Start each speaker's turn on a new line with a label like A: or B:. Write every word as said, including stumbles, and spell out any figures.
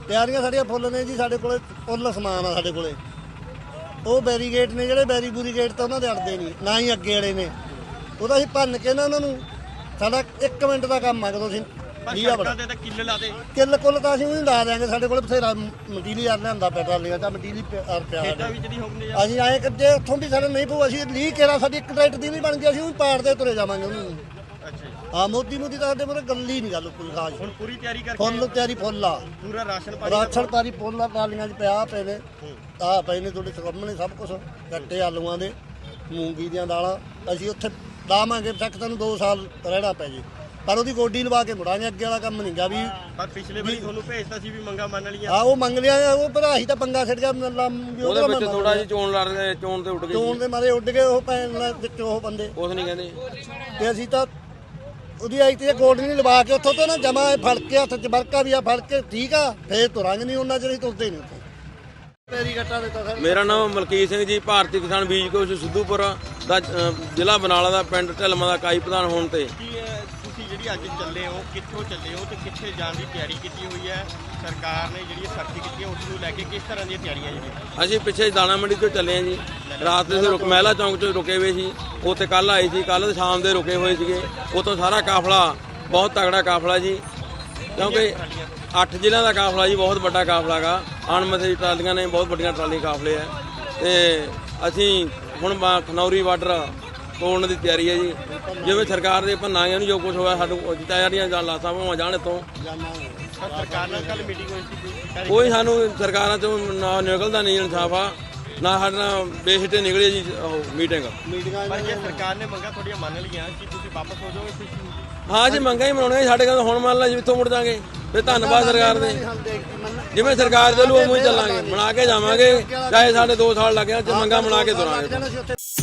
A: ਤਿਆਰੀਆਂ ਸਾਡੀਆਂ ਫੁੱਲ ਨੇ ਜੀ। ਸਾਡੇ ਕੋਲੇ ਫੁੱਲ ਸਮਾਨ ਆ ਸਾਡੇ ਕੋਲੇ। ਉਹ ਬੈਰੀਗੇਟ ਨੇ ਜਿਹੜੇ ਬੈਰੀ ਬੂਰੀਗੇਟ ਤਾਂ ਉਹਨਾਂ ਦੇ ਅੜਦੇ ਨਹੀਂ, ਨਾ ਹੀ ਅੱਗੇ ਵਾਲੇ ਨੇ। ਉਹਦਾ ਅਸੀਂ ਭੰਨ ਕੇ ਨਾ ਉਹਨਾਂ ਨੂੰ, ਸਾਡਾ ਇੱਕ ਮਿੰਟ ਦਾ ਕੰਮ ਆ। ਕਦੋਂ ਅਸੀਂ
B: ਕਿੱਲ ਲਾ ਦੇ
A: ਕਿੱਲ ਕੁੱਲ ਤਾਂ ਅਸੀਂ ਉਹਨੂੰ ਲਾ ਦਿਆਂਗੇ। ਸਾਡੇ ਕੋਲ ਬਥੇਰਾ ਮਟੀਰੀਅਲ ਲਿਆਂਦਾ ਪੈਟਰੋਲੀਆਂ ਦਾ ਮਟੀਰੀਅਲ ਪਿਆ। ਅਸੀਂ ਆਏ ਕਿ ਜੇ ਉੱਥੋਂ ਵੀ ਸਾਡੇ ਨਹੀਂ ਪਊ, ਅਸੀਂ ਲੀਹ ਕੇਰਾ ਸਾਡੀ ਇੱਕ ਟਰੈਕਟਰ ਦੀ ਵੀ ਬਣ ਗਈ, ਅਸੀਂ ਉਹ ਪਾੜਦੇ ਤੁਰੇ ਜਾਵਾਂਗੇ ਉਹਨੂੰ। ਹਾਂ ਮੋਦੀ ਮੋਦੀ ਤਾਂ ਸਾਡੇ ਮੂਹਰੇ ਗੱਲ ਹੀ ਨਹੀਂ, ਗੱਲ ਕੋਈ ਖਾਸ।
B: ਹੁਣ ਪੂਰੀ ਤਿਆਰੀ ਕਰਕੇ
A: ਫੁੱਲ ਤਿਆਰੀ ਫੁੱਲ ਆ।
B: ਪੂਰਾ ਰਾਸ਼ਨ
A: ਰਾਸ਼ਨ ਪਾਣੀ ਫੁੱਲ ਆ। ਟਰਾਲੀਆਂ 'ਚ ਪਿਆ ਪਏ ਨੇ, ਆਹ ਪਏ ਨੇ ਤੁਹਾਡੇ ਸਾਹਮਣੇ ਸਭ ਕੁਛ। ਗੱਟੇ ਆਲੂਆਂ ਦੇ, ਮੂੰਗੀ ਦੀਆਂ ਦਾਲਾਂ। ਅਸੀਂ ਉੱਥੇ ਲਾਵਾਂਗੇ ਤੱਕ ਤੁਹਾਨੂੰ ਦੋ ਸਾਲ ਰਹਿਣਾ ਪੈ ਜੇ, ਪਰ ਉਹਦੀ ਗੋਡੀ ਲਵਾ ਕੇ ਮੁੜਾਂਗੇ। ਅੱਗੇ ਵਾਲਾ ਕੰਮ ਨਹੀਂ ਗਾ ਵੀ।
B: ਪਰ ਪਿਛਲੇ ਵਾਰੀ ਤੁਹਾਨੂੰ ਭੇਜਤਾ ਸੀ ਵੀ ਮੰਗਾ ਮੰਨ ਲਈਆਂ।
A: ਹਾਂ ਉਹ ਮੰਗ ਲਿਆ, ਉਹ ਭਰਾਹੀ ਤਾਂ ਪੰਗਾ ਛੱਡ ਗਿਆ।
C: ਉਹਦੇ ਵਿੱਚ ਥੋੜਾ ਜਿਹਾ ਚੋਣ ਲੜ ਗਏ, ਚੋਣ ਤੇ ਉੱਡ ਗਏ,
A: ਚੋਣ ਦੇ ਮਾਰੇ ਉੱਡ ਗਏ ਉਹ ਭੈਣ ਵਿੱਚ ਉਹ ਬੰਦੇ।
C: ਕੁਛ ਨਹੀਂ ਕਹਿੰਦੇ।
A: ਤੇ ਅਸੀਂ ਤਾਂ ਉਹਦੀ ਆਈ ਤੇ ਗੋਡੀ ਨਹੀਂ ਲਵਾ ਕੇ ਉੱਥੋਂ ਤੋਂ ਨਾ ਜਮਾ ਫੜ ਕੇ ਹੱਥ 'ਚ ਵਰਕਾ ਵੀ ਆ ਫੜ ਕੇ, ਠੀਕ ਆ, ਫੇਰ ਤੁਰਾਂਗੇ ਨਹੀਂ। ਉਹਨਾਂ ਚਿਰ ਅਸੀਂ ਤੁਰਦੇ ਨਹੀਂ ਉੱਥੇ। ਮੇਰੀ ਗੱਟਾ ਦਿੱਤਾ ਸਰ।
C: ਮੇਰਾ ਨਾਮ ਮਲਕੀਤ ਸਿੰਘ ਜੀ, ਭਾਰਤੀ ਕਿਸਾਨ ਬੀਜ ਕੋਸ਼ ਸਿੱਧੂਪੁਰ ਦਾ, ਜ਼ਿਲ੍ਹਾ ਬਰਨਾਲਾ ਦਾ, ਪਿੰਡ ਢਿਲਮਾ ਦਾ ਇਕਾਈ ਪ੍ਰਧਾਨ ਹੋਣ ਤੇ।
B: ਤੁਸੀਂ ਜਿਹੜੀ ਅੱਜ ਚੱਲੇ ਹੋ, ਕਿੱਥੋਂ ਚੱਲੇ ਹੋ ਤੇ ਕਿੱਥੇ ਜਾਣ ਦੀ ਤਿਆਰੀ ਕੀਤੀ ਹੋਈ ਹੈ? ਸਰਕਾਰ ਨੇ ਜਿਹੜੀ ਸਖਤੀ ਕੀਤੀ ਹੈ ਉਸ ਨੂੰ ਲੈ ਕੇ ਕਿਸ ਤਰ੍ਹਾਂ ਦੀਆਂ ਤਿਆਰੀਆਂ ਜੀ?
C: ਅਸੀਂ ਪਿੱਛੇ ਦਾਣਾ ਮੰਡੀ ਤੋਂ ਚੱਲੇ ਹਾਂ ਜੀ। ਰਾਤ ਦੇ ਰੁਕ ਮਹਿਲਾ ਚੌਂਕ 'ਚ ਰੁਕੇ ਹੋਏ ਸੀ। ਉੱਥੇ ਕੱਲ੍ਹ ਆਏ ਸੀ, ਕੱਲ੍ਹ ਸ਼ਾਮ ਦੇ ਰੁਕੇ ਹੋਏ ਸੀਗੇ। ਉੱਥੋਂ ਸਾਰਾ ਕਾਫਲਾ, ਬਹੁਤ ਤਗੜਾ ਕਾਫਲਾ ਜੀ, ਕਿਉਂਕਿ ਅੱਠ ਜ਼ਿਲ੍ਹਿਆਂ ਦਾ ਕਾਫਲਾ ਜੀ, ਬਹੁਤ ਵੱਡਾ ਕਾਫਲਾ ਗਾ। ਅਣਮਿੱਥੇ ਟਰਾਲੀਆਂ ਨੇ, ਬਹੁਤ ਵੱਡੀਆਂ ਟਰਾਲੀ ਕਾਫਲੇ ਆ। ਤੇ ਅਸੀਂ ਹੁਣ ਖਨੌਰੀ ਬਾਰਡਰ ਤੋੜਨ ਦੀ ਤਿਆਰੀ ਹੈ ਜੀ। ਜਿਵੇਂ ਸਰਕਾਰ ਦੇ ਭੰਨਾਂਗੇ ਨੂੰ ਜੋ ਕੁਛ ਹੋਇਆ, ਸਾਨੂੰ ਤਿਆਰੀਆਂ ਜਾਂ ਲਾਸਾਂ ਭਾਵਾਂ ਜਾਣ ਇੱਥੋਂ।
B: ਸਰਕਾਰ ਨਾਲ ਕੱਲ ਮੀਟਿੰਗ ਹੋਈ ਸੀ,
C: ਕੋਈ ਸਾਨੂੰ ਸਰਕਾਰਾਂ ਚੋਂ ਨਾ ਨਿਕਲਦਾ ਨਹੀਂ ਇਨਸਾਫ ਆ, ਨਾ ਸਾਡੇ ਨਾਲ ਬੇਸਿੱਟੇ ਨਿਕਲੇ ਜੀ ਉਹ ਮੀਟਿੰਗ।
B: ਪਰ ਜੇ ਸਰਕਾਰ ਨੇ ਮੰਗਾਂ ਤੁਹਾਡੀਆਂ ਮੰਨ ਲਈਆਂ ਕਿ ਤੁਸੀਂ ਵਾਪਸ ਹੋ ਜਾਓਗੇ?
C: ਹਾਂ ਜੀ ਮੰਗਾਂ ਹੀ ਮਨਾਉਣੀਆਂ ਸਾਡੇ ਕੋਲ। ਹੁਣ ਮੰਨ ਲਾ ਜੀ ਇੱਥੋਂ ਮੁੜ ਜਾਾਂਗੇ, ਫਿਰ ਧੰਨਵਾਦ ਸਰਕਾਰ ਦੇ। ਜਿਵੇਂ ਸਰਕਾਰ ਚੱਲੂ ਉਵੇਂ ਹੀ ਚੱਲਾਂਗੇ, ਬਣਾ ਕੇ ਜਾਵਾਂਗੇ, ਚਾਹੇ ਸਾਡੇ ਦੋ ਸਾਲ ਲੱਗ ਜਾਣ, ਮੰਗਾਂ ਬਣਾ ਕੇ ਤੁਰਾਂਗੇ।